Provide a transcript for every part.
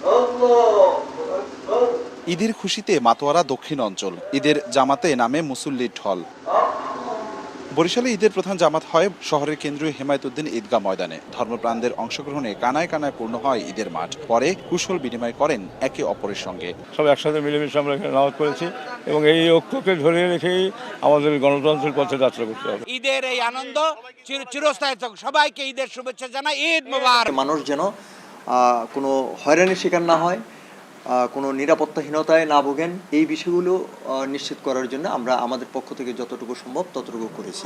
ঈদের খুশিতে মাতোয়ারা দক্ষিণ অঞ্চল। ঈদের জামাতে নামে মুসল্লির ঢল। বরিশালে ঈদের প্রধান জামাত হয় শহরের কেন্দ্রীয় হেমায়েতুদ্দিন ঈদগাহ ময়দানে। ধর্মপ্রাণদের অংশগ্রহণে কানায় কানায় পূর্ণ হয় ঈদের মাঠ। পরে কুশল বিনিময় করেন একে অপরের সঙ্গে। সব একসাথে মিলেমিশে আমরা এখানে নামাজ পড়েছি এবং এই ঐক্যকে ধরে রেখেই আমাদের গণতন্ত্রের পথে যাত্রা করতে হবে। ঈদের এই আনন্দ চিরস্থায়ী থাকুক। সবাইকে ঈদের শুভেচ্ছা জানাই। ঈদ মোবারক। মানুষ যেন কোনো হয়রানির শিকার না হয়, কোনো নিরাপত্তাহীনতায় না ভোগেন, এই বিষয়গুলো নিশ্চিত করার জন্য আমরা আমাদের পক্ষ থেকে যতটুকু সম্ভব ততটুকু করেছি।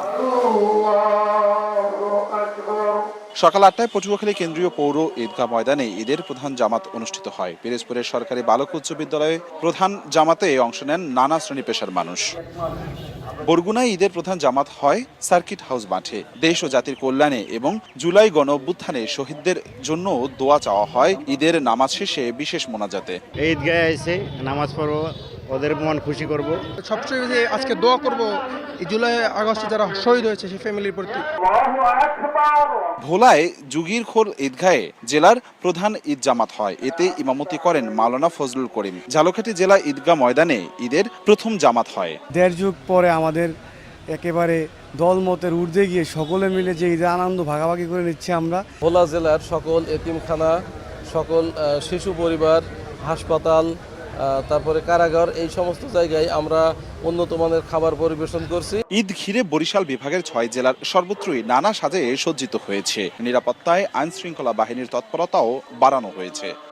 সকাল 8টায় পটুয়াখালী কেন্দ্রীয় পৌর ঈদগাহ ময়দানে ঈদের প্রধান জামাত অনুষ্ঠিত হয়। পিরোজপুরের সরকারি বালক উচ্চ বিদ্যালয়ে প্রধান জামাতে অংশ নেন নানা শ্রেণী পেশার মানুষ। বরগুনায় ঈদের প্রধান জামাত হয় সার্কিট হাউস মাঠে। দেশ ও জাতির কল্যাণে এবং জুলাই গণ অভ্যুত্থানে শহীদদের জন্য দোয়া চাওয়া হয় ঈদের নামাজ শেষে বিশেষ মোনাজাতে। ঈদগাহে এসে নামাজ পড়বো, ওদের মন খুশি করব। সবচেয়ে বেশি আজকে দোয়া করব এই জুলাই আগস্টে যারা শহীদ হয়েছে সেই ফ্যামিলির প্রতি। ভোলায় যুগীরখোল ঈদগাহে জেলার প্রধান ঈদ জামাত হয়। এতে ইমামতি করেন মাওলানা ফজলুল করিম। ঝালকাঠি জেলা ঈদগাহ ময়দানে ঈদের প্রথম জামাত হয়। 1.5 যুগ পরে আমাদের একেবারে দলমতের ঊর্ধ্বে গিয়ে সকলে মিলে যে ঈদের আনন্দ ভাগাভাগি করে নিচ্ছি আমরা। ভোলা জেলার সকল এতিমখানা, সকল শিশু পরিবার, হাসপাতাল, তারপরে কারাগার, এই সমস্ত জায়গায় আমরা উন্নত মানের খাবার পরিবেশন করছি। ঈদ ঘিরে বরিশাল বিভাগের 6 জেলার সর্বত্রই নানা সাজে সজ্জিত হয়েছে। নিরাপত্তায় আইন শৃঙ্খলা বাহিনীর তৎপরতাও বাড়ানো হয়েছে।